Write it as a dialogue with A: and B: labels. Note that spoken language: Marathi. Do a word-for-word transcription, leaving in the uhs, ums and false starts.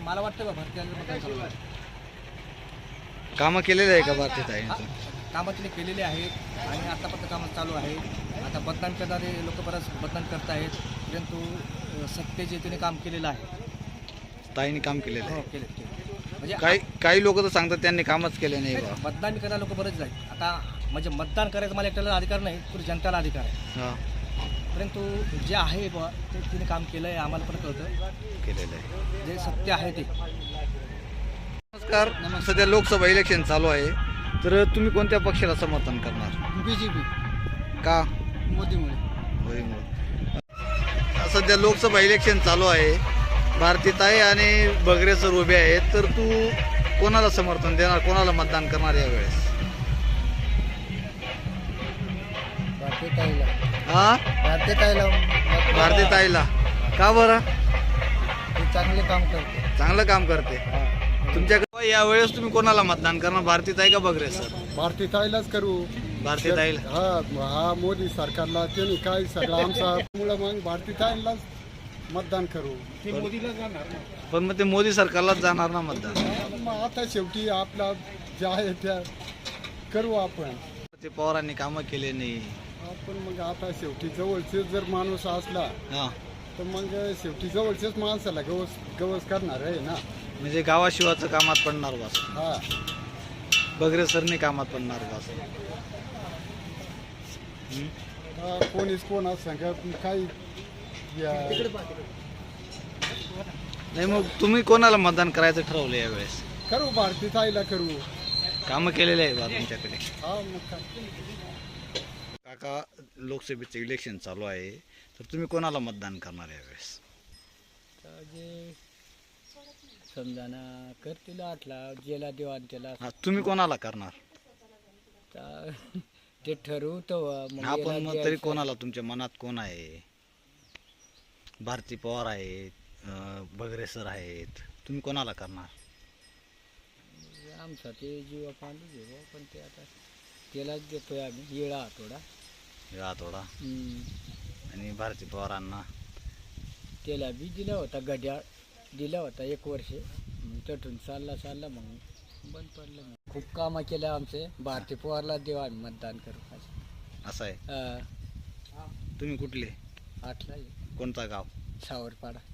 A: मला वाटतं बा भारतीयांचं मतदान चालू आहे.
B: कामं केलेले आहे का भारतीताई?
A: कामं तिने केलेली आहेत आणि आतापर्यंत कामं चालू आहेत. आता मतदान करणारे लोक बरंच मतदान करत आहेत, परंतु अ, सत्तेचे तिने काम केलेलं आहे.
B: ताईंनी काम केलेलं
A: हो
B: आहे.
A: केले केले म्हणजे
B: काही काही लोक तर सांगतात त्यांनी कामच केले नाही बा.
A: मतदान करणारे लोक बरेच आहेत. आता म्हणजे मतदान करायचा मला एकट्याला अधिकार नाही, पुढे जनताला अधिकार आहे.
B: हा
A: परंतु जे आहे बा ते तिने काम केलं आहे, आम्हाला पण कळतं
B: केलेलं आहे.
A: जे सत्य आहे ते.
B: नमस्कार. सध्या लोकसभा इलेक्शन चालू आहे, तर तुम्ही कोणत्या पक्षाला समर्थन करणार?
A: बी जे पी
B: का?
A: मोदीमुळे.
B: मोदीमुळे. सध्या लोकसभा इलेक्शन चालू आहे, भारतीताई आणि बगरे सर उभे आहेत, तर तू कोणाला समर्थन देणार, कोणाला मतदान करणार यावेळेस?
A: भारतीताईला
B: हा
A: भारतीताईला
B: भारतीताईला का बरं?
A: ते चांगले काम करते.
B: चांगलं काम करते. तुमच्याकडे यावेळेस तुम्ही कोणाला मतदान करणार, भारतीताई का बगरे सर?
C: भारतीताईलाच करू.
B: भारतीताईला.
C: हा हा मोदी सरकारला त्यांनी काय सगळं आमचा मुळे मग भारतीताईलाच मतदान करू.
B: पण मग ते मोदी सरकारलाच जाणार ना मतदान.
C: मग आता शेवटी आपला जे आहे त्या करू आपण.
B: ते पवारांनी कामं केले नाही.
C: आपण मग आता शेवटी जवळचे जर माणूस असला
B: हा
C: तर मग शेवटी जवळच्याच माणसाला गवस गवस करणार आहे ना.
B: म्हणजे गावाशिवाचं कामात पडणार बस.
C: हा
B: बगरे सरनी कामात पडणार बस.
C: हा, कोणीच कोणा सांगत काही या-
B: नाही मग तुम्ही कोणाला मतदान करायचं ठरवलं यावेळेस?
C: करू भारतीताईला करू.
B: कामं केलेले आहे बा तुमच्याकडे?
C: हा मग काय.
B: काका, लोकसभेचं इलेक्शन चालू आहे, तर तुम्ही कोणाला मतदान करणार यावेळेस?
A: जे समजा ना करतील आठला जेला देवान त्याला
B: हा, तुम्ही कोणाला करणार?
A: ते ठरवतो मग
B: हा, पण
A: याला
B: मग तरी
A: द्यायचं.
B: कोणाला तुमच्या मनात कोण आहे? भारती पवार आहेत, अं, बगरे सर आहेत, तुम्ही कोणाला करणार?
A: आमचा ते जीवा पांडू घेऊ पण ते आता त्यालाच देतोय आम्ही येळा आठवडा.
B: या थोडा. आणि भारती पवारांना
A: त्याला बी दिला होता गड्या दिला होता एक वर्ष, मग तटून चालला चालला मग बंद पडलं. मग खूप कामं केलं आमचे. भारती पवारला देऊ आम्ही मतदान करू.
B: असं आहे.
A: हा,
B: तुम्ही कुठले,
A: आठला
B: कोणता गाव?
A: सावरपाडा.